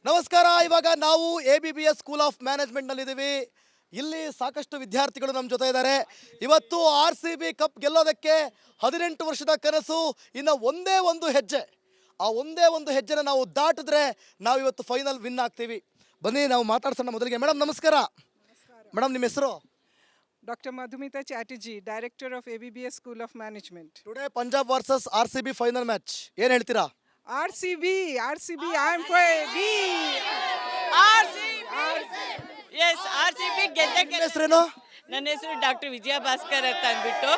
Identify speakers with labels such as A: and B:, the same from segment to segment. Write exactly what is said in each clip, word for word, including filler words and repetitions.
A: ನಮಸ್ಕಾರ. ಇವಾಗ ನಾವು A B B S school of ಮ್ಯಾನೇಜ್ಮೆಂಟ್ನಲ್ಲಿದ್ದೀವಿ. ಇಲ್ಲಿ ಸಾಕಷ್ಟು ವಿದ್ಯಾರ್ಥಿಗಳು ನಮ್ಮ ಜೊತೆ ಇದ್ದಾರೆ. ಇವತ್ತು ಆರ್ ಸಿ ಬಿ ಕಪ್ ಗೆಲ್ಲೋದಕ್ಕೆ ಹದಿನೆಂಟು ವರ್ಷದ ಕನಸು, ಇನ್ನು ಒಂದೇ ಒಂದು ಹೆಜ್ಜೆ, ಆ ಒಂದೇ ಒಂದು ಹೆಜ್ಜೆನ ನಾವು ದಾಟಿದ್ರೆ ನಾವು ಇವತ್ತು ಫೈನಲ್ ವಿನ್ ಆಗ್ತೀವಿ. ಬನ್ನಿ ನಾವು ಮಾತಾಡ್ಸೋಣ. ಮೊದಲಿಗೆ ಮೇಡಮ್ ನಮಸ್ಕಾರ. ಮೇಡಮ್ ನಿಮ್ಮ ಹೆಸರು?
B: Doctor Madhumita Chatterjee, Director of A B B S School of Management.
A: Today Punjab versus R C B final match, ಏನು ಹೇಳ್ತೀರಾ?
B: R C B, R C B, I am for A B.
C: R C B. Yes, R C B ಗೆದ್ದೆ
A: ನಿಮ್ಮ ಹೆಸರೇನು?
C: ನನ್ನ ಹೆಸರು doctor ವಿಜಯ ಭಾಸ್ಕರ್ ಅಂತ ಅಂದ್ಬಿಟ್ಟು.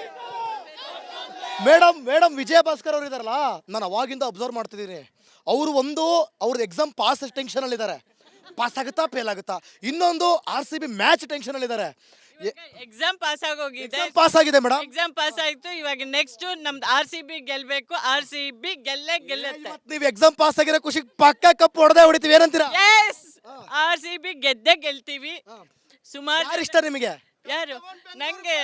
A: Madam madam ವಿಜಯ ಭಾಸ್ಕರ್ ಅವರು ಇದಾರಲ್ಲ, ನಾನು ಅವಾಗಿಂದ ಅಬ್ಸರ್ವ್ ಮಾಡ್ತಿದ್ದೀನಿ. ಅವರು ಒಂದು ಅವ್ರದ್ದು ಎಕ್ಸಾಮ್ ಪಾಸ್ ಟೆನ್ಷನಲ್ಲಿ ಇದ್ದಾರೆ, ಪಾಸ್ ಆಗುತ್ತಾ ಫೇಲ್ ಆಗುತ್ತಾ. ಇನ್ನೊಂದು ಆರ್ ಸಿ ಬಿ ಮ್ಯಾಚ್ ಟೆನ್ಷನಲ್ಲಿ ಇದ್ದಾರೆ.
C: ಎಕ್ಸಾಮ್ ಪಾಸ್ ಆಗೋಗಿದೆ,
A: ಪಾಸ್ ಆಗಿದೆ ಮೇಡಮ್,
C: ಎಕ್ಸಾಮ್ ಪಾಸ್ ಆಯ್ತು. ಇವಾಗ ನೆಕ್ಸ್ಟ್ ನಮ್ದು ಆರ್ ಸಿ ಬಿ ಗೆಲ್ಬೇಕು. ಆರ್ ಸಿ ಬಿ ಗೆಲ್ಲೇ ಗೆಲ್ಲುತ್ತೆ.
A: ನೀವು ಎಕ್ಸಾಮ್ ಪಾಸ್ ಆಗಿರೋ ಖುಷಿ ಪಕ್ಕ ಕಪ್ ಹೊಡೆದೇ ಹೊಡಿತೀವಿ, ಏನಂತೀರಾ?
C: ಎಸ್, ಆರ್ ಸಿ ಬಿ ಗೆದ್ದೆ ಗೆಲ್ತೀವಿ. ಸುಮಾರು
A: ಯಾರು ಇಷ್ಟ ನಿಮಗೆ?
C: ಯಾರು ನಂಗೆ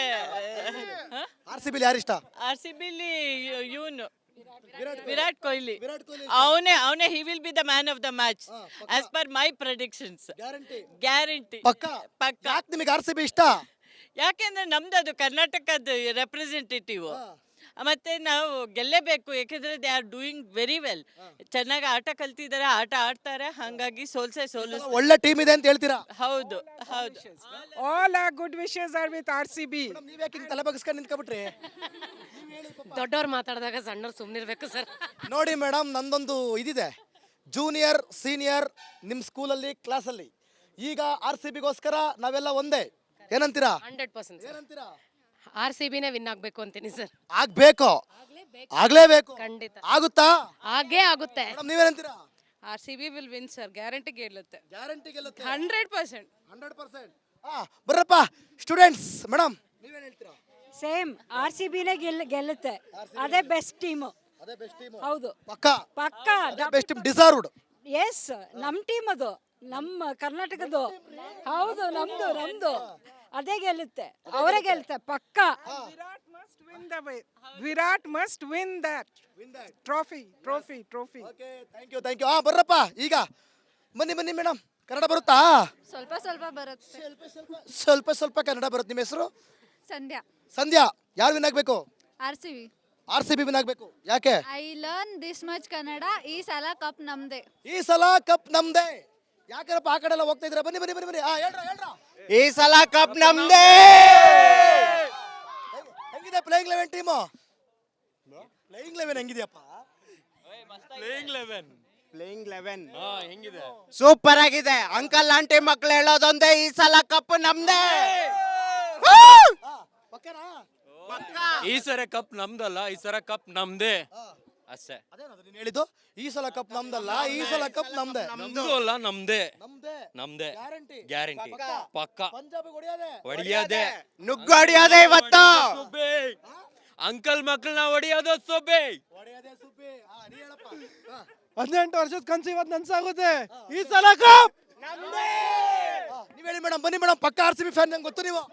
A: ಆರ್ ಸಿ ಬಿ ಯಾರು ಇಷ್ಟ?
C: ಆರ್ ಸಿ ಬಿಲಿ ಇವನು ವಿರಾಟ್ ಕೊಹ್ಲಿ.
A: ವಿರಾಟ್ ಕೊಹ್ಲಿ
C: ಅವನೇ ಅವನೇ he will be the man of the match as per my predictions.
A: Guarantee
C: guarantee
A: ಪಕ್ಕ
C: ಪಕ್ಕ.
A: ಯಾಕೆ ನಿಮಗೆ ಆರ್ ಸಿ ಬಿ ಇಷ್ಟ?
C: ಯಾಕೆಂದ್ರೆ ನಮ್ದು ಅದು ಕರ್ನಾಟಕದ ರೆಪ್ರೆಸೆಂಟೇಟಿವ್, ಮತ್ತೆ ನಾವು ಗೆಲ್ಲೇಬೇಕು. ಯಾಕೆಂದ್ರೆ they are doing very well. ಚೆನ್ನಾಗಿ ಆಟ ಕಲ್ತಿದ್ದಾರೆ, ಆಟ ಆಡ್ತಾರೆ, ಹಾಗಾಗಿ ಸೋಲ್ಸೆ ಸೋಲಿಸ್.
A: ಒಳ್ಳೆ ಟೀಮ್ ಇದೆ ಅಂತ ಹೇಳ್ತೀರಾ?
C: ಹೌದು ಹೌದು.
B: All our good wishes are with R C B.
A: ನೀವ್ ಯಾಕೆ ಹಿಂಗ್ ತಲೆ ಬಗ್ಸ್ಕೊಂಡು ನಿಂತ್ಕೊಬಿಟ್ರಿ?
D: ದೊಡ್ಡವ್ರು ಮಾತಾಡಿದಾಗ ಸಣ್ಣವ್ರು ಸುಮ್ಮನಿರ್ಬೇಕು ಸರ್.
A: ನೋಡಿ ಮೇಡಮ್, ನಂದೊಂದು ಇದಿದೆ, ಜೂನಿಯರ್ ಸೀನಿಯರ್ ನಿಮ್ಮ ಸ್ಕೂಲಲ್ಲಿ ಕ್ಲಾಸಲ್ಲಿ. ಈಗ ಆರ್ ಸಿ ಬಿಗೋಸ್ಕರ ನಾವೆಲ್ಲ ಒಂದೇ, ಏನಂತೀರಾ?
D: ಹಂಡ್ರೆಡ್ ಪರ್ಸೆಂಟ್
A: ಏನಂತೀರಾ?
D: ಆರ್ ಸಿ ಬಿನೇ ವಿನ್ ಆಗ್ಬೇಕು ಅಂತೀನಿ ಸರ್.
A: ಆಗ್ಬೇಕು, ಆಗ್ಲೇಬೇಕು.
D: ಖಂಡಿತ
A: ಆಗುತ್ತಾ?
D: ಹಾಗೇ ಆಗುತ್ತೆ.
A: ಮೇಡಮ್ ನೀವೇನಂತೀರಾ?
E: R C B will win sir, guarantee ಗೆಲ್ಲುತ್ತೆ.
A: ಗ್ಯಾರಂಟಿ ಗೆಲ್ಲುತ್ತೆ
E: ಹಂಡ್ರೆಡ್ ಪರ್ಸೆಂಟ್.
A: Hundred percent. ಹಾ ಬರಪ್ಪ ಸ್ಟೂಡೆಂಟ್ಸ್. ಮೇಡಮ್ ನೀವೇನು ಹೇಳ್ತೀರಾ?
F: ಸೇಮ್ ಆರ್ ಸಿ ಬಿನೇ ಗೆಲ್ ಗೆಲ್ಲುತ್ತೆ. ಅದೇ ಬೆಸ್ಟ್ ಟೀಮು.
A: ಅದೇ ಬೆಸ್ಟ್ ಟೀಮ್.
F: ಹೌದು,
A: ಪಕ್ಕ
F: ಪಕ್ಕ
A: ಬೆಸ್ಟ್ ಟೀಮ್, ಡಿಸರ್ವ್ಡ್.
F: ಎಸ್, ನಮ್ಮ ಟೀಮ್ ಅದು, ನಮ್ಮ ಕರ್ನಾಟಕದ್ದು. ಹೌದು, ನಮ್ದು ನಮ್ದು ಅದೇ ಗೆಲ್ಲುತ್ತೆ, ಅವರೇ ಗೆಲ್ಲುತ್ತೆ ಪಕ್ಕ.
B: Virat must win the way. Virat must win that trophy, trophy, trophy.
A: Okay, thank you thank you. ಹಾ ಬರ್ರಪ್ಪ, ಈಗ ಬನ್ನಿ ಬನ್ನಿ ಮೇಡಮ್. ಕನ್ನಡ ಬರುತ್ತಾ?
E: ಸ್ವಲ್ಪ ಸ್ವಲ್ಪ ಬರುತ್ತೆ.
A: ಸ್ವಲ್ಪ ಸ್ವಲ್ಪ ಕನ್ನಡ ಬರುತ್ತೆ. ನಿಮ್ಮ ಹೆಸರು?
E: ಸಂಧ್ಯಾ.
A: ಸಂಧ್ಯಾ. ಯಾರು ವಿನ್ ಆಗ್ಬೇಕು?
E: R C B.
A: R C B win ಆಗ್ಬೇಕು. ಯಾಕೆ?
E: I learn this much Kannada. ಈ ಸಲ ಕಪ್ ನಮ್ದೆ.
A: ಈ ಸಲ ಕಪ್ ನಮ್ದೇ. ಯಾಕಂದ್ರೆ ಆ ಕಡೆ ಎಲ್ಲ ಹೋಗ್ತಾ ಇದ್ರ. ಬನ್ನಿ ಬನ್ನಿ ಬನ್ನಿ ಬನ್ನಿ. ಹಾ ಹೇಳ್ರ ಹೇಳ್ರ.
G: ಈ ಸಲ ಕಪ್ ನಮ್ದೇ.
A: ಹೆಂಗಿದೆ playing eleven team? Playing eleven ಹೆಂಗಿದೆಯಪ್ಪ?
G: ಪ್ಲೇಯಿಂಗ್ ಲೆವೆನ್ ಸೂಪರ್ ಆಗಿದೆ. ಅಂಕಲ್ ಆಂಟಿ ಮಕ್ಳು ಹೇಳೋದೊಂದೇ, ಈ ಸಲ ಕಪ್ ನಮ್ದೇ.
A: ಪಕ್ಕನಾ?
H: ಈ ಸರ ಕಪ್ ನಮ್ದಲ್ಲ, ಈ ಸರ ಕಪ್ ನಮ್ದೇ ಅಷ್ಟೇ.
A: ಅದೇನದು ನೀನು ಹೇಳಿದ್ದು? ಈ ಸಲ ಕಪ್ ನಮ್ದಲ್ಲ, ಈ ಸಲ ಕಪ್ ನಮ್ದೇ.
H: ನಮ್ದು ಅಲ್ಲ, ನಮ್ದೇ
A: ನಮ್ದೇ
H: ನಮ್ದೇ
A: ಗ್ಯಾರಂಟಿ
H: ಗ್ಯಾರಂಟಿ ಪಕ್ಕ.
A: ಪಂಜಾಬ್ ಹೊಡೆಯೋದೆ.
H: ಹೊಡಿಯೋದೆ,
G: ನುಗ್ಗು ಹೊಡಿಯೋದೆ ಇವತ್ತು.
H: ಸುಬ್ಬಿ ಅಂಕಲ್ ಮಕ್ಕಳನ್ನ ಹೊಡಿಯೋದು ಸುಬ್ಬಿ.
A: ಹೊಡೆಯೋದೆ ಸುಬ್ಬಿ. ಹಾ ನೀ ಹೇಳಪ್ಪ. ಹಾ.
G: ಹದಿನೆಂಟು ವರ್ಷದ ಕನ್ಸು ಇವತ್ತು ನನ್ಸಾಗುತ್ತೆ. ಈ ಸಲ ಕಪ್
A: ನಮ್ದೇ. ನೀವ್ ಹೇಳಿ ಮೇಡಮ್. ಬನ್ನಿ ಮೇಡಮ್, ಪಕ್ಕ ಆರ್ ಸಿ ಬಿ ಫ್ಯಾನ್, ನಂಗೆ ಗೊತ್ತು ನೀವು.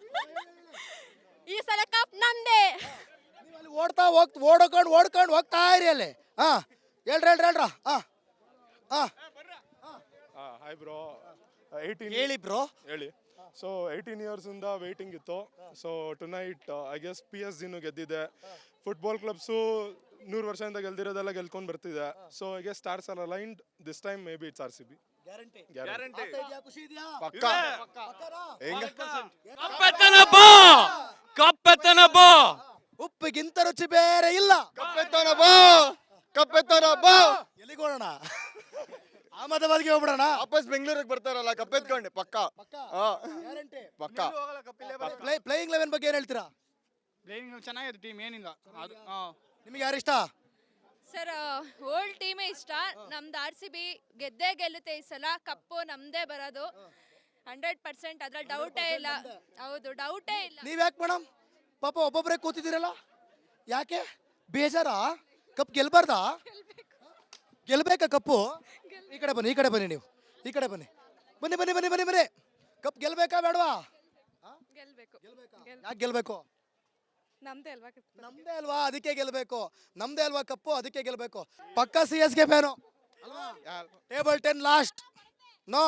E: ಈ ಸಲ ಕಪ್ ನಮ್ದೆ.
A: ನೀವು ಅಲ್ಲಿ ಓಡ್ತಾ ಹೋಗ್ ಓಡ್ಕೊಂಡು ಓಡ್ಕೊಂಡು ಹೋಗ್ತಾ ಇರಿ ಅಲ್ಲಿ. ಹಾ ಹೇಳ್ರಿ ಹೇಳ್ರಿ ಹೇಳ್ರ. ಹಾ ಹಾ
I: ಹಾಯ್ ಬ್ರೋ. ಏಯ್ಟೀನ್
A: ಹೇಳಿ ಬ್ರೋ.
I: ಹೇಳಿ. ಸೊ ಏಯ್ಟೀನ್ ಇಯರ್ಸಿಂದ ವೇಟಿಂಗ್ ಇತ್ತು. So tonight I guess P S ಜಿನೂ ಗೆದ್ದಿದೆ. ಫುಟ್ಬಾಲ್ ಕ್ಲಬ್ಸು ನೂರು ವರ್ಷದಿಂದ ಗೆಲ್ದಿರೋದೆಲ್ಲ ಗೆಲ್ಕೊಂಡು ಬರ್ತಿದೆ. So I guess stars are aligned this time. Maybe it's R C B.
A: Guarantee.
I: Guarantee.
A: ಖುಷಿ ಇದೆಯಾ?
I: ಪಕ್ಕ. ಹೆಂಗ
H: ಕಪ್ಪೆತ್ತನ ಬಾ, ಕಪ್ಪೆತ್ತನ ಬಾ.
A: ಉಪ್ಪಿಗಿಂತ ರುಚಿ ಬೇರೆ ಇಲ್ಲ.
G: ಕಪ್ಪೆತ್ತೋಣ ಬಾ, ಕಪ್ಪೆತ್ತೋಣ ಬಾ.
A: ಎಲ್ಲಿಗೆ ಹೋಗೋಣ? ಅಹಮದಾಬಾದ್ಗೆ ಹೋಗ್ಬಿಡೋಣ.
G: ವಾಪಸ್ ಬೆಂಗಳೂರಿಗೆ ಬರ್ತಾರಲ್ಲ ಕಪ್ಪೆತ್ಕೊಂಡು. ಪಕ್ಕ
A: ಪಕ್ಕ
G: ಹಾ
A: ಗ್ಯಾರಂಟಿ.
G: ಪಕ್ಕ.
A: ಪ್ಲೇಯಿಂಗ್ ಲೆವೆನ್ ಬಗ್ಗೆ ಏನ್ ಹೇಳ್ತೀರಾ?
J: ಪ್ಲೇಯಿಂಗ್ ಚೆನ್ನಾಗಿದೆ ಟೀಮ್, ಏನಿಲ್ಲ. ಅದು
A: ನಿಮಗೆ ಯಾರು ಇಷ್ಟ?
E: ಸರ್ ಓಲ್ಡ್ ಟೀಮೇ ಇಷ್ಟ. ನಮ್ದು ಆರ್ ಸಿ ಬಿ ಗೆದ್ದೇ ಗೆಲ್ಲುತ್ತೆ. ಈ ಸಲ ಕಪ್ಪು ನಮ್ದೇ ಬರೋದು ಹಂಡ್ರೆಡ್ ಪರ್ಸೆಂಟ್, ಅದ್ರಲ್ಲಿ ಡೌಟೇ ಇಲ್ಲ. ಹೌದು, ಡೌಟೇ ಇಲ್ಲ.
A: ನೀವ್ ಯಾಕೆ ಮೇಡಮ್ ಪಾಪ ಒಬ್ಬೊಬ್ಬರೇ ಕೂತಿದ್ದೀರಲ್ಲ, ಯಾಕೆ ಬೇಜಾರಾ? ಕಪ್ ಗೆಲ್ಬಾರ್ದಾ? ಗೆಲ್ಬೇಕಾ ಕಪ್ಪು? ಈ ಕಡೆ ಬನ್ನಿ, ಈ ಕಡೆ ಬನ್ನಿ, ನೀವು ಈ ಕಡೆ ಬನ್ನಿ. ಬನ್ನಿ ಬನ್ನಿ ಬನ್ನಿ ಬನ್ನಿ ಬನ್ನಿ. ಕಪ್ ಗೆಲ್ಬೇಕಾ ಬೇಡವಾ?
E: ಗೆಲ್ಬೇಕು.
A: ಯಾಕೆ ಗೆಲ್ಬೇಕು?
E: ನಮ್ದೇ ಅಲ್ವಾ?
A: ನಮ್ದೇ ಅಲ್ವಾ, ಅದಕ್ಕೆ ಗೆಲ್ಬೇಕು. ನಮ್ದೇ ಅಲ್ವಾ ಕಪ್ಪು, ಅದಕ್ಕೆ ಗೆಲ್ಬೇಕು. ಪಕ್ಕ ಸಿ ಎಸ್ ಗೆ fan. Table ten last no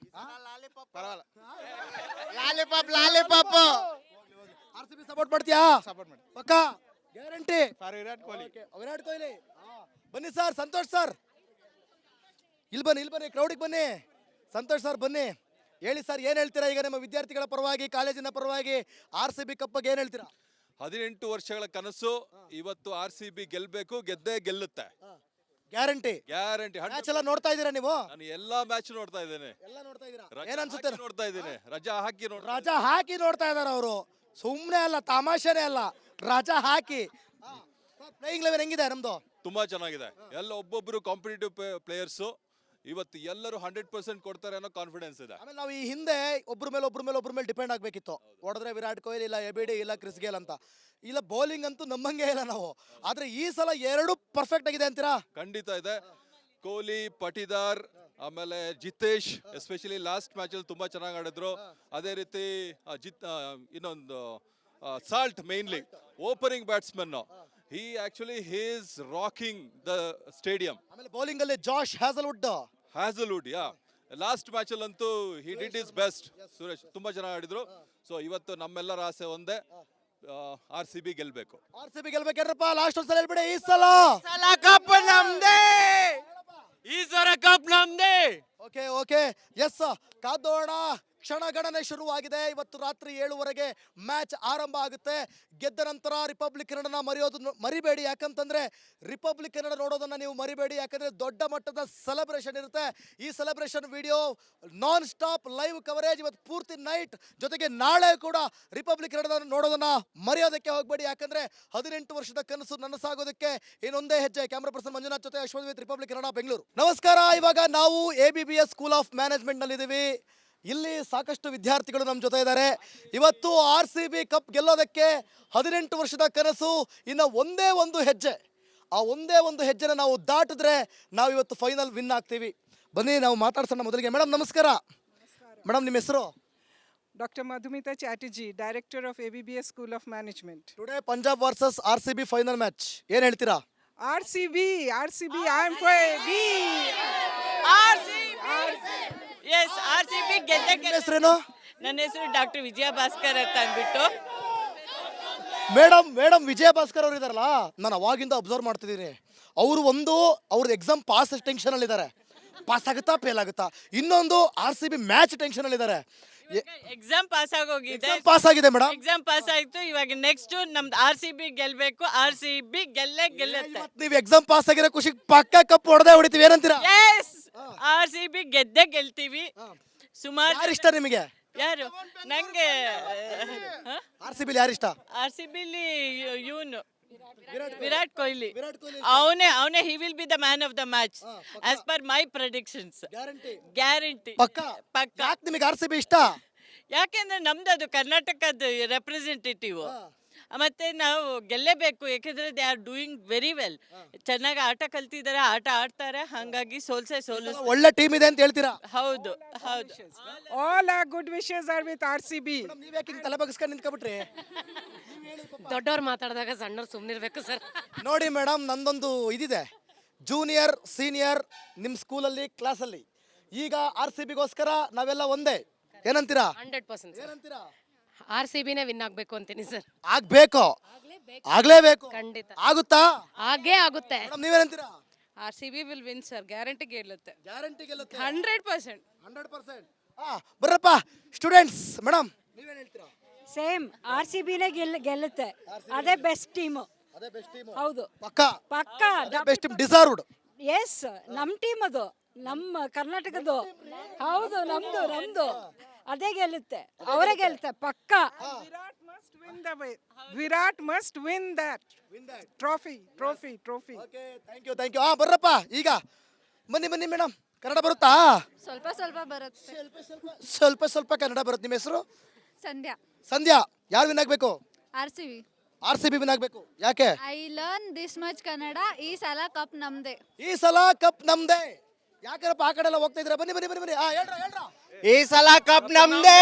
J: lollipop lollipop
A: R C B support ಮಾಡ್ತೀಯಾ?
J: ಸಪೋರ್ಟ್ ಮಾಡಿ
A: ಪಕ್ಕಾ ಗ್ಯಾರಂಟಿ.
J: ಫಾರ್ ವಿರಾಟ್ ಕೊಹ್ಲಿ.
A: ವಿರಾಟ್ ಕೊಹ್ಲಿ. ಬನ್ನಿ ಸರ್, ಸಂತೋಷ್ ಸರ್ ಇಲ್ಲಿ ಬನ್ನಿ, ಇಲ್ಲಿ ಬನ್ನಿ, ಕ್ರೌಡಿಗೆ ಬನ್ನಿ. ಸಂತೋಷ್ ಸರ್ ಬನ್ನಿ, ಹೇಳಿ ಸರ್, ಏನ್ ಹೇಳ್ತೀರಾ ಈಗ ನಿಮ್ಮ ವಿದ್ಯಾರ್ಥಿಗಳ ಪರವಾಗಿ, ಕಾಲೇಜಿನ ಪರವಾಗಿ ಆರ್ ಸಿ ಬಿ ಕಪ್ ಬಗ್ಗೆ ಏನ್ ಹೇಳ್ತೀರಾ?
K: ಹದಿನೆಂಟು ವರ್ಷಗಳ ಕನಸು ಇವತ್ತು ಆರ್ ಸಿ ಬಿ ಗೆಲ್ಬೇಕು, ಗೆದ್ದೇ ಗೆಲ್ಲುತ್ತೆ,
A: ಗ್ಯಾರಂಟಿ.
K: ಗ್ಯಾರಂಟಿ.
A: ಮ್ಯಾಚ್ ಎಲ್ಲ ನೋಡ್ತಾ ಇದ್ದೀರಾ ನೀವು?
K: ನಾನು ಎಲ್ಲಾ ಮ್ಯಾಚ್ ನೋಡ್ತಾ ಇದ್ದೇನೆ,
A: ಎಲ್ಲ ನೋಡ್ತಾ ಇದ್ದೀರಾ?
K: ರಜಾ
A: ಏನ್ ಅನ್ಸುತ್ತೆ?
K: ಹಾಕಿ ನೋಡ್ತಾ ಇದ್ದೇನೆ, ರಜಾ ಹಾಕಿ ನೋಡ್ತಾ
A: ರಜಾ ಹಾಕಿ ನೋಡ್ತಾ ಇದಾರೆ ಅವರು, ಸುಮ್ನೆ ಅಲ್ಲ, ತಮಾಷೆನೇ ಅಲ್ಲ, ರಜಾ ಹಾಕಿ. ಪ್ಲೇಯಿಂಗ್ ಲೆವೆನ್ ಹೆಂಗಿದೆ ನಮ್ದು?
K: ತುಂಬಾ ಚೆನ್ನಾಗಿದೆ. ಎಲ್ಲ ಒಬ್ಬೊಬ್ರು ಕಾಂಪಿಟೇಟಿವ್ ಪ್ಲೇಯರ್ಸ್ ಇವತ್ತು ಎಲ್ಲರೂ ಹಂಡ್ರೆಡ್ ಪರ್ಸೆಂಟ್ ಕೊಡ್ತಾರೆ ಅನ್ನೋ ಕಾನ್ಫಿಡೆನ್ಸ್ ಇದೆ.
A: ಆಮೇಲೆ ನಾವು ಈ ಹಿಂದೆ ಒಬ್ರ ಮೇಲೆ ಒಬ್ರ ಮೇಲೆ ಒಬ್ರ ಮೇಲೆ ಡಿಪೆಂಡ್ ಆಗ್ಬೇಕಿತ್ತು. ಹೊಡೆದ್ರೆ ವಿರಾಟ್ ಕೊಹ್ಲಿ, ಇಲ್ಲ ಎ ಬಿ ಡಿ, ಇಲ್ಲ ಕ್ರಿಸ್ ಗೇಲ್ ಅಂತ. ಇಲ್ಲ ಬೌಲಿಂಗ್ ಅಂತೂ ನಮ್ಮಂಗೆ ಇಲ್ಲ ನಾವು. ಆದ್ರೆ ಈ ಸಲ ಎರಡು ಪರ್ಫೆಕ್ಟ್ ಆಗಿದೆ ಅಂತೀರಾ?
K: ಖಂಡಿತ ಇದೆ. ಕೊಹ್ಲಿ, ಪಟಿದಾರ್, ಆಮೇಲೆ ಜಿತೇಶ್ ಎಸ್ಪೆಷಲಿ ಲಾಸ್ಟ್ ಮ್ಯಾಚ್ ಅಲ್ಲಿ ತುಂಬಾ ಚೆನ್ನಾಗಿ ಆಡಿದ್ರು. ಅದೇ ರೀತಿ ಆ, ಜಿತ್ ಆ, ಇನ್ನೊಂದು Salt mainly opening batsman. He actually he is rocking the stadium.
A: ಆಮೇಲೆ ಬೌಲಿಂಗ್ ಅಲ್ಲಿ ಜಾಶ್ ಹ್ಯಾಸಲ್ವುಡ್.
K: ಹ್ಯಾಸಲ್ವುಡ್ ಯಾ ಲಾಸ್ಟ್ ಮ್ಯಾಚ್ ಅಲ್ಲಂತೂ he did is best. Suresh ತುಂಬಾ ಚೆನ್ನಾಗಿ ಆಡಿದ್ರು. ಸೊ ಇವತ್ತು ನಮ್ಮೆಲ್ಲರ ಆಸೆ ಒಂದೇ, ಆರ್ ಸಿ ಬಿ ಗೆಲ್ಬೇಕು.
A: ಆರ್ ಸಿ ಬಿ ಗೆಲ್ಬೇಕೇನ್ರಪ್ಪ? ಲಾಸ್ಟ್ ಒಂದ್ಸಲ ಹೇಳ್ಬಿಡಿ, ಈ ಸಲ
H: ಕಪ್ ನಮ್ದೇ, ಈ ಸಲ ಕಪ್ ನಮ್ದೇ.
A: ಓಕೆ ಓಕೆ ಎಸ್, ಕಾದೋಣ. ಕ್ಷಣಗಣನೆ ಶುರುವಾಗಿದೆ. ಇವತ್ತು ರಾತ್ರಿ ಏಳುವರೆಗೆ ಮ್ಯಾಚ್ ಆರಂಭ ಆಗುತ್ತೆ. ಗೆದ್ದ ನಂತರ ರಿಪಬ್ಲಿಕ್ ಕನ್ನಡನ ಮರೆಯೋದು ಮರಿಬೇಡಿ. ಯಾಕಂತಂದ್ರೆ ರಿಪಬ್ಲಿಕ್ ಕನ್ನಡ ನೋಡೋದನ್ನ ನೀವು ಮರಿಬೇಡಿ. ಯಾಕಂದ್ರೆ ದೊಡ್ಡ ಮಟ್ಟದ ಸೆಲೆಬ್ರೇಷನ್ ಇರುತ್ತೆ. ಈ celebration video non stop live coverage ಇವತ್ತು ಪೂರ್ತಿ ನೈಟ್, ಜೊತೆಗೆ ನಾಳೆ ಕೂಡ ರಿಪಬ್ಲಿಕ್ ಕನ್ನಡ ನೋಡೋದನ್ನ ಮರೆಯೋದಕ್ಕೆ ಹೋಗಬೇಡಿ. ಯಾಕಂದ್ರೆ ಹದಿನೆಂಟು ವರ್ಷದ ಕನಸು ನನಸಾಗೋದಕ್ಕೆ ಇನ್ನೊಂದೇ ಹೆಜ್ಜೆ. ಕ್ಯಾಮ್ರಾ ಪರ್ಸನ್ ಮಂಜುನಾಥ್ ಜೊತೆ ಅಶ್ವಥ್ ವಿತ್ ರಿಪಬ್ಲಿಕ್ ಕನ್ನಡ, ಬೆಂಗಳೂರು. ನಮಸ್ಕಾರ. ಇವಾಗ ನಾವು A B B S school of management ನಲ್ಲಿ ಇದ್ದೀವಿ. ಇಲ್ಲಿ ಸಾಕಷ್ಟು ವಿದ್ಯಾರ್ಥಿಗಳು ನಮ್ಮ ಜೊತೆ ಇದ್ದಾರೆ. ಇವತ್ತು ಆರ್ ಸಿ ಬಿ ಕಪ್ ಗೆಲ್ಲೋದಕ್ಕೆ ಹದಿನೆಂಟು ವರ್ಷದ ಕನಸು ಇನ್ನು ಒಂದೇ ಒಂದು ಹೆಜ್ಜೆ. ಆ ಒಂದೇ ಒಂದು ಹೆಜ್ಜೆನ ನಾವು ದಾಟಿದ್ರೆ ನಾವು ಇವತ್ತು ಫೈನಲ್ ವಿನ್ ಆಗ್ತೀವಿ. ಬನ್ನಿ ನಾವು ಮಾತಾಡ್ಸೋಣ. ಮೊದಲಿಗೆ ಮೇಡಮ್ ನಮಸ್ಕಾರ. ಮೇಡಮ್ ನಿಮ್ಮ ಹೆಸರು?
B: Doctor Madhumita Chatterjee, Director of A B B S School of Management.
A: Today Punjab versus R C B final match, ಏನ್ ಹೇಳ್ತೀರಾ?
B: R C B, R C B, I am for A B.
C: R C B yes R C B ಗೆದ್ದೆ
A: ನಿಮ್ಮ ಹೆಸರೇನು?
C: ನನ್ನ ಹೆಸರು doctor ವಿಜಯ ಭಾಸ್ಕರ್ ಅಂತ ಅಂದ್ಬಿಟ್ಟು.
A: Madam madam ವಿಜಯ ಭಾಸ್ಕರ್ ಅವರು ಇದಾರಲ್ಲ, ನಾನು ಅವಾಗಿಂದ ಅಬ್ಸರ್ವ್ ಮಾಡ್ತಿದ್ದೀನಿ. ಅವರು ಒಂದು ಅವ್ರದ್ದು ಎಕ್ಸಾಮ್ ಪಾಸ್ ಟೆನ್ಷನ್ ಅಲ್ಲಿ ಇದ್ದಾರೆ, ಪಾಸ್ ಆಗುತ್ತಾ ಫೇಲ್ ಆಗುತ್ತಾ. ಇನ್ನೊಂದು R C B match tension ಅಲ್ಲಿ ಇದ್ದಾರೆ.
C: ಎಕ್ಸಾಮ್ ಪಾಸ್ ಆಗೋಗಿದೆ,
A: ಪಾಸ್ ಆಗಿದೆ ಮೇಡಮ್,
C: ಎಕ್ಸಾಮ್ ಪಾಸ್ ಆಯ್ತು. ಇವಾಗ ನೆಕ್ಸ್ಟ್ ನಮ್ದು ಆರ್ ಸಿ ಬಿ ಗೆಲ್ಬೇಕು, ಆರ್ ಸಿ ಬಿ ಗೆಲ್ಲೇ ಗೆಲ್ಲುತ್ತೆ.
A: ನೀವು ಎಕ್ಸಾಮ್ ಪಾಸ್ ಆಗಿರೋ ಖುಷಿ ಪಕ್ಕ ಕಪ್ ಹೊಡೆದೇ ಹೊಡಿತೀವಿ, ಏನಂತೀರಾ?
C: ಎಸ್, ಆರ್ ಸಿ ಬಿ ಗೆದ್ದೆ ಗೆಲ್ತೀವಿ. ಸುಮಾರು
A: ಯಾರು ಇಷ್ಟ ನಿಮಗೆ?
C: ಯಾರು ನಂಗೆ
A: ಆರ್ ಸಿ ಬಿಲಿ ಯಾರು ಇಷ್ಟ?
C: ಆರ್ ಸಿ ಬಿಲಿ ಇವನು ವಿರಾಟ್ ಕೊಹ್ಲಿ.
A: ವಿರಾಟ್ ಕೊಹ್ಲಿ
C: ಅವನೇ ಅವನೇ he will be the man of the match as per my predictions.
A: Guarantee
C: guarantee
A: ಪಕ್ಕ.
C: ಪಕ್ಕ.
A: ಯಾಕೆ ನಿಮಗೆ ಆರ್ ಸಿ ಬಿ ಇಷ್ಟ?
C: ಯಾಕೆಂದ್ರೆ ನಮ್ದು ಅದು ಕರ್ನಾಟಕದ ರೆಪ್ರೆಸೆಂಟೇಟಿವ್. ಮತ್ತೆ ನಾವು ಗೆಲ್ಲೇಬೇಕು, ಯಾಕೆಂದ್ರೆ they are doing very well. ಚೆನ್ನಾಗಿ ಆಟ ಕಲ್ತಿದ್ದಾರೆ, ಆಟ ಆಡ್ತಾರೆ, ಹಂಗಾಗಿ ಸೋಲ್ಸೆ ಸೋಲಿಸ್.
A: ಒಳ್ಳೆ ಟೀಮ್ ಇದೆ ಅಂತ ಹೇಳ್ತೀರಾ?
C: ಹೌದು ಹೌದು.
B: All our good wishes are with R C B.
A: ನೀವ್ ಯಾಕೆ ಹಿಂಗ್ ತಲೆ ಬಗ್ಸ್ಕೊಂಡು ನಿಂತ್ಕೊಬಿಟ್ರಿ?
D: ದೊಡ್ಡವ್ರು ಮಾತಾಡಿದಾಗ ಸಣ್ಣವ್ರು ಸುಮ್ಮನಿರ್ಬೇಕು ಸರ್.
A: ನೋಡಿ ಮೇಡಮ್, ನಂದೊಂದು ಇದಿದೆ, ಜೂನಿಯರ್ ಸೀನಿಯರ್ ನಿಮ್ಮ ಸ್ಕೂಲಲ್ಲಿ ಕ್ಲಾಸಲ್ಲಿ. ಈಗ ಆರ್ ಸಿ ಬಿಗೋಸ್ಕರ ನಾವೆಲ್ಲ ಒಂದೇ, ಏನಂತೀರಾ?
D: ಹಂಡ್ರೆಡ್ ಪರ್ಸೆಂಟ್
A: ಏನಂತೀರಾ?
D: ಆರ್ ಸಿ ಬಿನೇ ವಿನ್ ಆಗ್ಬೇಕು ಅಂತೀನಿ ಸರ್.
A: ಆಗ್ಬೇಕು, ಆಗ್ಲೇಬೇಕು.
D: ಖಂಡಿತ
A: ಆಗುತ್ತಾ?
D: ಹಾಗೇ ಆಗುತ್ತೆ.
A: ಮೇಡಮ್ ನೀವೇನಂತೀರಾ?
F: R C B will win sir, guarantee ಗೆಲ್ಲುತ್ತೆ,
A: ಗ್ಯಾರಂಟಿ ಗೆಲ್ಲುತ್ತೆ,
F: ಹಂಡ್ರೆಡ್ ಪರ್ಸೆಂಟ್.
A: Hundred percent. ಹಾ ಬರ್ರಪ್ಪ ಸ್ಟೂಡೆಂಟ್ಸ್. ಮೇಡಮ್ ನೀವೇನ್ ಹೇಳ್ತೀರಾ?
F: ಸೇಮ್ ಆರ್ ಸಿ ಬಿನೇ ಗೆಲ್ ಗೆಲ್ಲುತ್ತೆ, ಅದೇ ಬೆಸ್ಟ್ ಟೀಮು.
A: ಅದೇ ಬೆಸ್ಟ್ ಟೀಮ್.
F: ಹೌದು
A: ಪಕ್ಕ
F: ಪಕ್ಕ.
A: Best team, deserved.
F: ಎಸ್, ನಮ್ಮ ಟೀಮ್ ಅದು, ನಮ್ಮ ಕರ್ನಾಟಕದ್ದು. ಹೌದು, ನಮ್ದು ನಮ್ದು ಅದೇ ಗೆಲ್ಲುತ್ತೆ, ಅವರೇ ಗೆಲ್ಲುತ್ತೆ ಪಕ್ಕ.
B: Virat must win the way. Virat must win that trophy, trophy, trophy.
A: Okay, thank you thank you. ಹಾ ಬರ್ರಪ್ಪ, ಈಗ ಬನ್ನಿ ಬನ್ನಿ ಮೇಡಮ್. ಕನ್ನಡ ಬರುತ್ತಾ?
E: ಸ್ವಲ್ಪ ಸ್ವಲ್ಪ ಬರುತ್ತೆ.
A: ಸ್ವಲ್ಪ ಸ್ವಲ್ಪ ಕನ್ನಡ ಬರುತ್ತೆ. ನಿಮ್ಮ ಹೆಸರು?
E: ಸಂಧ್ಯಾ.
A: ಸಂಧ್ಯಾ. ಯಾರು ವಿನ್ ಆಗ್ಬೇಕು?
E: R C B.
A: R C B win ಆಗ್ಬೇಕು. ಯಾಕೆ?
E: I learn this much Kannada. ಈ ಸಲ ಕಪ್ ನಮ್ದೆ.
A: ಈ ಸಲ ಕಪ್ ನಮ್ದೇ. ಯಾಕಂದ್ರೆ ಆ ಕಡೆ ಎಲ್ಲ ಹೋಗ್ತಾ ಇದ್ರ? ಬನ್ನಿ ಬನ್ನಿ ಬನ್ನಿ ಬನ್ನಿ. ಹಾ ಹೇಳ್ರ ಹೇಳ್ರ.
J: ಈ ಸಲ ಕಪ್ ನಮ್ದೇ.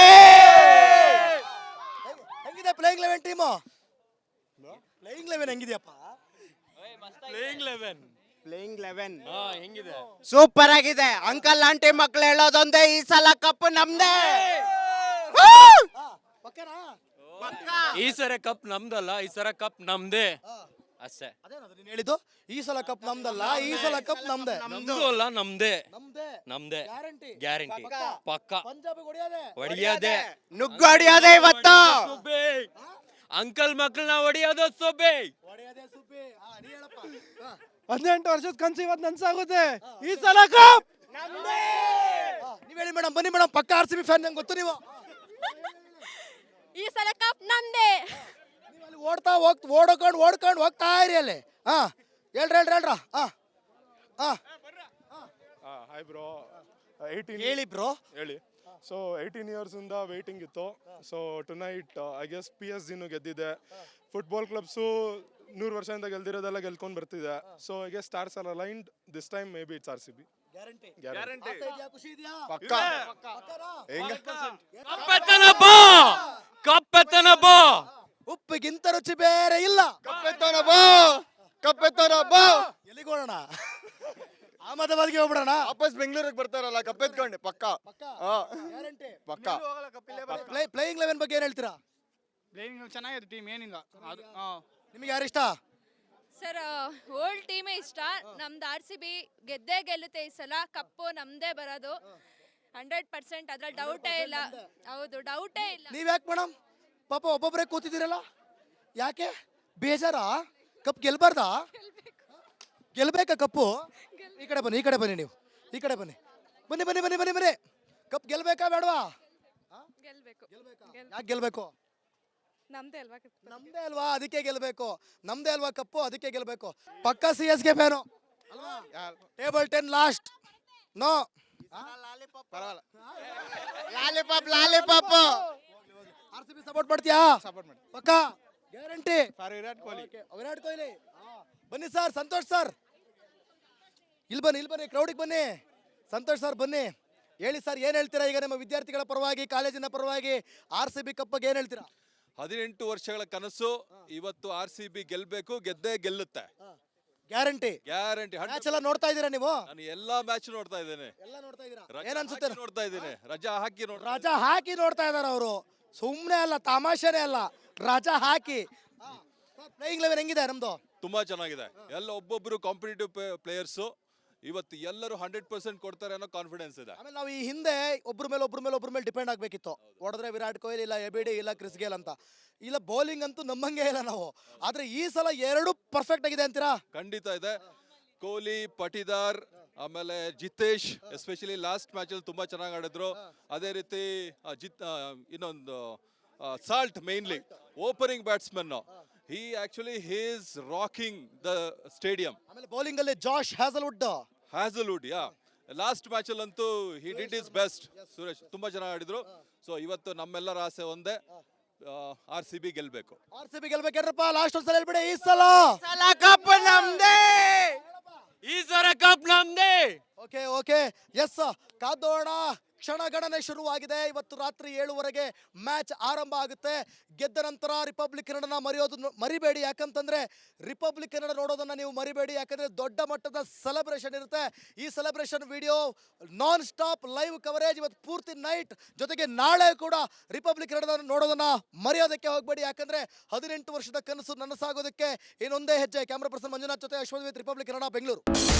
A: ಹೆಂಗಿದೆ playing eleven team? Playing eleven ಹೆಂಗಿದೆಯಪ್ಪ?
H: ಪ್ಲೇಯಿಂಗ್ ಲೆವೆನ್
J: ಪ್ಲೇಯಿಂಗ್ ಲೆವೆನ್
H: ಹಾ ಹೆಂಗಿದೆ
J: ಸೂಪರ್ ಆಗಿದೆ. ಅಂಕಲ್ ಆಂಟಿ ಮಕ್ಳು ಹೇಳೋದೊಂದೇ, ಈ ಸಲ ಕಪ್ ನಮ್ದೇ.
A: ಪಕ್ಕನಾ
H: ಈ ಸರ ಕಪ್ ನಮ್ದಲ್ಲ, ಈ ಸರ ಕಪ್ ನಮ್ದೇ ಅಷ್ಟೇ.
A: ಅದೇನದು ನೀನು ಹೇಳಿದ್ದು? ಈ ಸಲ ಕಪ್ ನಮ್ದಲ್ಲ, ಈ ಸಲ ಕಪ್ ನಮ್ದೇ.
H: ನಮ್ದು ಅಲ್ಲ ನಮ್ದೇ
A: ನಮ್ದೇ
H: ನಮ್ದೇ
A: ಗ್ಯಾರಂಟಿ.
H: ಗ್ಯಾರಂಟಿ ಪಕ್ಕ
A: ಪಂಜಾಬ್ ಹೊಡಿಯೋದೆ.
H: ಹೊಡಿಯೋದೇ
J: ನುಗ್ಗು ಹೊಡಿಯೋದೇ ಇವತ್ತು.
H: ಸುಬ್ಬಿ ಅಂಕಲ್ ಮಕ್ಕಳನ್ನ ಹೊಡಿಯೋದು ಸುಬ್ಬಿ.
A: ಹೊಡೆಯೋದೆ ಸುಬ್ಬಿ. ಹಾ, ನೀ ಹೇಳಪ್ಪ. ಹಾ.
G: ಹದಿನೆಂಟು ವರ್ಷದ ಕನಸು ಇವತ್ತು ನನ್ಸಾಗುತ್ತೆ. ಈ ಸಲ ಕಪ್
A: ಹಾ, ನೀವ್ ಹೇಳಿ ಮೇಡಮ್, ಬನ್ನಿ ಮೇಡಮ್, ಪಕ್ಕ ಆರ್ ಸಿ ಬಿ ಫ್ಯಾನ್, ನಂಗೆ ಗೊತ್ತು ನೀವು.
E: ಈ ಸಲ ಕಪ್ ನಮ್ದೇ.
A: ನೀವು ಅಲ್ಲಿ ಓಡ್ತಾ ಹೋಗ್ ಓಡ್ಕೊಂಡು ಓಡ್ಕೊಂಡು ಹೋಗ್ತಾ ಇರಿ ಅಲ್ಲಿ. ಹಾ ಹೇಳ್ರಿ ಹೇಳ್ರಿ ಹೇಳ್ರ. ಹಾ ಹಾ
I: ಹಾಯ್ ಬ್ರೋ. ಏಯ್ಟೀನ್
A: ಹೇಳಿ ಬ್ರೋ.
I: ಹೇಳಿ. ಸೊ ಏಯ್ಟೀನ್ ಇಯರ್ಸಿಂದ ವೇಟಿಂಗ್ ಇತ್ತು. So tonight I guess P S ಜಿನು ಗೆದ್ದಿದೆ. ಫುಟ್ಬಾಲ್ ಕ್ಲಬ್ಸು ನೂರು ವರ್ಷದಿಂದ ಗೆಲ್ದಿರೋದೆಲ್ಲ ಗೆಲ್ಕೊಂಡು ಬರ್ತಿದೆ. So I guess stars are aligned this time maybe it's R C B.
A: Guarantee.
I: Guarantee.
A: ಖುಷಿ ಇದೆಯಾ?
I: ಪಕ್ಕ ಹೆಂಗ
H: ಕಪ್ಪೆತ್ತನ ಬಾ ಕಪ್ಪೆತ್ತನ ಬಾ.
A: ಉಪ್ಪಿಗಿಂತ ರುಚಿ ಬೇರೆ ಇಲ್ಲ.
J: ಕಪ್ಪೆತ್ತೋಣ ಬಾ, ಕಪ್ಪೆತ್ತೋಣ ಬಾ.
A: ಎಲ್ಲಿಗೆ ಹೋಗೋಣ? ಅಹಮದಾಬಾದ್ಗೆ ಹೋಗ್ಬಿಡೋಣ.
J: ವಾಪಸ್ ಬೆಂಗಳೂರಿಗೆ ಬರ್ತಾರಲ್ಲ ಕಪ್ಪೆತ್ಕೊಂಡು ಪಕ್ಕ.
A: ಪಕ್ಕ
J: ಹಾ
A: ಗ್ಯಾರಂಟಿ.
J: ಪಕ್ಕ.
A: ಪ್ಲೇಯಿಂಗ್ ಲೆವೆನ್ ಬಗ್ಗೆ ಏನ್ ಹೇಳ್ತೀರಾ?
G: ಪ್ಲೇಯಿಂಗ್ ಚೆನ್ನಾಗಿದೆ ಟೀಮ್, ಏನಿಲ್ಲ.
A: ನಿಮಗೆ ಯಾರು ಇಷ್ಟ?
E: ಸರ್ ಓಲ್ಡ್ ಟೀಮೇ ಇಷ್ಟ. ನಮ್ದು ಆರ್ ಸಿ ಬಿ ಗೆದ್ದೇ ಗೆಲ್ಲುತ್ತೆ ಈ ಸಲ. ಕಪ್ಪು ನಮ್ದೇ ಬರೋದು ಹಂಡ್ರೆಡ್ ಪರ್ಸೆಂಟ್, ಅದ್ರಲ್ಲಿ ಡೌಟೇ ಇಲ್ಲ. ಹೌದು, ಡೌಟೇ ಇಲ್ಲ.
A: ನೀವ್ ಯಾಕೆ ಮೇಡಮ್ ಪಾಪ ಒಬ್ಬೊಬ್ಬರೇ ಕೂತಿದ್ದೀರಲ್ಲ, ಯಾಕೆ ಬೇಜಾರಾ? ಕಪ್ ಗೆಲ್ಬಾರ್ದಾ? ಗೆಲ್ಬೇಕಾ ಕಪ್ಪು? ಈ ಕಡೆ ಬನ್ನಿ, ಈ ಕಡೆ ಬನ್ನಿ, ನೀವು ಈ ಕಡೆ ಬನ್ನಿ, ಬನ್ನಿ ಬನ್ನಿ ಬನ್ನಿ ಬನ್ನಿ ಬನ್ನಿ. ಕಪ್ ಗೆಲ್ಬೇಕಾ ಬೇಡವಾ?
E: ಗೆಲ್ಬೇಕು.
A: ಯಾಕೆ ಗೆಲ್ಬೇಕು?
E: ನಮ್ದೇ ಅಲ್ವಾ?
A: ನಮ್ದೇ ಅಲ್ವಾ, ಅದಕ್ಕೆ ಗೆಲ್ಬೇಕು. ನಮ್ದೇ ಅಲ್ವಾ ಕಪ್ಪು, ಅದಕ್ಕೆ ಗೆಲ್ಬೇಕು. ಪಕ್ಕ ಸಿ ಎಸ್ ಗೆ fan table ten last. No
J: lollipop lollipop.
A: R C B support ಮಾಡ್ತೀಯಾ?
J: ಸಪೋರ್ಟ್ ಮಾಡಿ.
A: ಪಕ್ಕ ಗ್ಯಾರಂಟಿ.
J: ಫಾರ್ ವಿರಾಟ್ ಕೊಹ್ಲಿ.
A: ವಿರಾಟ್ ಕೊಹ್ಲಿ. ಬನ್ನಿ ಸರ್, ಸಂತೋಷ್ ಸರ್ ಇಲ್ಲಿ ಬನ್ನಿ, ಇಲ್ಲಿ ಬನ್ನಿ, ಕ್ರೌಡಿಗೆ ಬನ್ನಿ. ಸಂತೋಷ್ ಸರ್ ಬನ್ನಿ, ಹೇಳಿ ಸರ್, ಏನ್ ಹೇಳ್ತೀರಾ ಈಗ ನಿಮ್ಮ ವಿದ್ಯಾರ್ಥಿಗಳ ಪರವಾಗಿ, ಕಾಲೇಜಿನ ಪರವಾಗಿ ಆರ್ ಸಿ ಬಿ ಕಪ್ ಬಗ್ಗೆ ಏನ್ ಹೇಳ್ತೀರಾ?
K: ಹದಿನೆಂಟು ವರ್ಷಗಳ ಕನಸು ಇವತ್ತು ಆರ್ ಸಿ ಬಿ ಗೆಲ್ಬೇಕು, ಗೆದ್ದೇ ಗೆಲ್ಲುತ್ತೆ.
A: ಗ್ಯಾರಂಟಿ.
K: ಗ್ಯಾರಂಟಿ.
A: ಮ್ಯಾಚ್ ಎಲ್ಲ ನೋಡ್ತಾ ಇದ್ದೀರಾ ನೀವು?
K: ನಾನು ಎಲ್ಲಾ ಮ್ಯಾಚ್ ನೋಡ್ತಾ ಇದ್ದೇನೆ.
A: ಎಲ್ಲ ನೋಡ್ತಾ ಇದ್ದೀರಾ?
K: ರಜಾ
A: ಏನ್ ಅನ್ಸುತ್ತೆ?
K: ಹಾಕಿ ನೋಡ್ತಾ ಇದ್ದೇನೆ. ರಜಾ ಹಾಕಿ ನೋಡ್ತಾ
A: ರಜಾ ಹಾಕಿ ನೋಡ್ತಾ ಇದಾರೆ ಅವರು. ಸುಮ್ನೆ ಅಲ್ಲ, ತಮಾಷೆನೇ ಅಲ್ಲ, ರಜಾ ಹಾಕಿ. ಪ್ಲೇಯಿಂಗ್ ಲೆವೆನ್ ಹೆಂಗಿದೆ ನಮ್ದು?
K: ತುಂಬಾ ಚೆನ್ನಾಗಿದೆ. ಎಲ್ಲ ಒಬ್ಬೊಬ್ರು ಕಾಂಪಿಟೇಟಿವ್ ಪ್ಲೇಯರ್ಸು ಇವತ್ತು ಎಲ್ಲರೂ ಹಂಡ್ರೆಡ್ ಪರ್ಸೆಂಟ್ ಕೊಡ್ತಾರೆ ಅನ್ನೋ ಕಾನ್ಫಿಡೆನ್ಸ್ ಇದೆ.
A: ಆಮೇಲೆ ನಾವು ಈ ಹಿಂದೆ ಒಬ್ರ ಮೇಲೆ ಒಬ್ರ ಮೇಲೆ ಒಬ್ರ ಮೇಲೆ ಡಿಪೆಂಡ್ ಆಗ್ಬೇಕಿತ್ತು. ಹೊಡೆದ್ರೆ ವಿರಾಟ್ ಕೊಹ್ಲಿ, ಇಲ್ಲ ಎ ಬಿ ಡಿ, ಇಲ್ಲ ಕ್ರಿಸ್ ಗೇಲ್ ಅಂತ. ಇಲ್ಲ ಬೌಲಿಂಗ್ ಅಂತೂ ನಮ್ಮಂಗೆ ಇಲ್ಲ ನಾವು. ಆದ್ರೆ ಈ ಸಲ ಎರಡು ಪರ್ಫೆಕ್ಟ್ ಆಗಿದೆ ಅಂತೀರಾ?
K: ಖಂಡಿತ ಇದೆ. ಕೊಹ್ಲಿ, ಪಟಿದಾರ್, ಆಮೇಲೆ ಜಿತೇಶ್ ಎಸ್ಪೆಷಲಿ ಲಾಸ್ಟ್ ಮ್ಯಾಚ್ ಅಲ್ಲಿ ತುಂಬಾ ಚೆನ್ನಾಗಿ ಆಡಿದ್ರು. ಅದೇ ರೀತಿ ಆ, ಜಿತ್ ಆ, ಇನ್ನೊಂದು Salt mainly opening batsman. He actually he is rocking the stadium.
A: ಆಮೇಲೆ ಬೌಲಿಂಗ್ ಅಲ್ಲಿ ಜಾಶ್ ಹ್ಯಾಸಲ್ವುಡ್.
K: ಹ್ಯಾಸಲ್ವುಡ್ ಯಾ ಲಾಸ್ಟ್ ಮ್ಯಾಚ್ ಅಲ್ಲಂತೂ he did is best. Suresh ತುಂಬಾ ಚೆನ್ನಾಗಿ ಆಡಿದ್ರು. ಸೊ ಇವತ್ತು ನಮ್ಮೆಲ್ಲರ ಆಸೆ ಒಂದೇ, ಆರ್ ಸಿ ಬಿ ಗೆಲ್ಬೇಕು.
A: ಆರ್ ಸಿ ಬಿ ಗೆಲ್ಬೇಕೇನ್ರಪ್ಪ? ಲಾಸ್ಟ್ ಒಂದ್ಸಲ ಹೇಳ್ಬಿಡಿ, ಈ ಸಲ
J: ಸಲ ಕಪ್ ನಮ್ದೇ.
H: ಈ ಸರ ಕಪ್ ನಮ್ದೇ.
A: ಓಕೆ ಓಕೆ ಎಸ್, ಕಾದೋಣ. ಕ್ಷಣಗಣನೆ ಶುರುವಾಗಿದೆ. ಇವತ್ತು ರಾತ್ರಿ ಏಳುವರೆಗೆ ಮ್ಯಾಚ್ ಆರಂಭ ಆಗುತ್ತೆ. ಗೆದ್ದ ನಂತರ ರಿಪಬ್ಲಿಕ್ ಕನ್ನಡನ ಮರೆಯೋದು ಮರಿಬೇಡಿ. ಯಾಕಂತಂದ್ರೆ ರಿಪಬ್ಲಿಕ್ ಕನ್ನಡ ನೋಡೋದನ್ನ ನೀವು ಮರಿಬೇಡಿ. ಯಾಕಂದ್ರೆ ದೊಡ್ಡ ಮಟ್ಟದ ಸೆಲೆಬ್ರೇಷನ್ ಇರುತ್ತೆ. ಈ celebration video non stop live coverage ಇವತ್ತು ಪೂರ್ತಿ ನೈಟ್. ಜೊತೆಗೆ ನಾಳೆ ಕೂಡ ರಿಪಬ್ಲಿಕ್ ಕನ್ನಡ ನೋಡೋದನ್ನ ಮರೆಯೋದಕ್ಕೆ ಹೋಗಬೇಡಿ. ಯಾಕಂದ್ರೆ ಹದಿನೆಂಟು ವರ್ಷದ ಕನಸು ನನಸಾಗೋದಕ್ಕೆ ಇನ್ನೊಂದೇ ಹೆಜ್ಜೆ. ಕ್ಯಾಮ್ರಾ ಪರ್ಸನ್ ಮಂಜುನಾಥ್ ಜೊತೆ ಅಶ್ವಥ್ ವಿತ್ ರಿಪಬ್ಲಿಕ್ ಕನ್ನಡ, ಬೆಂಗಳೂರು.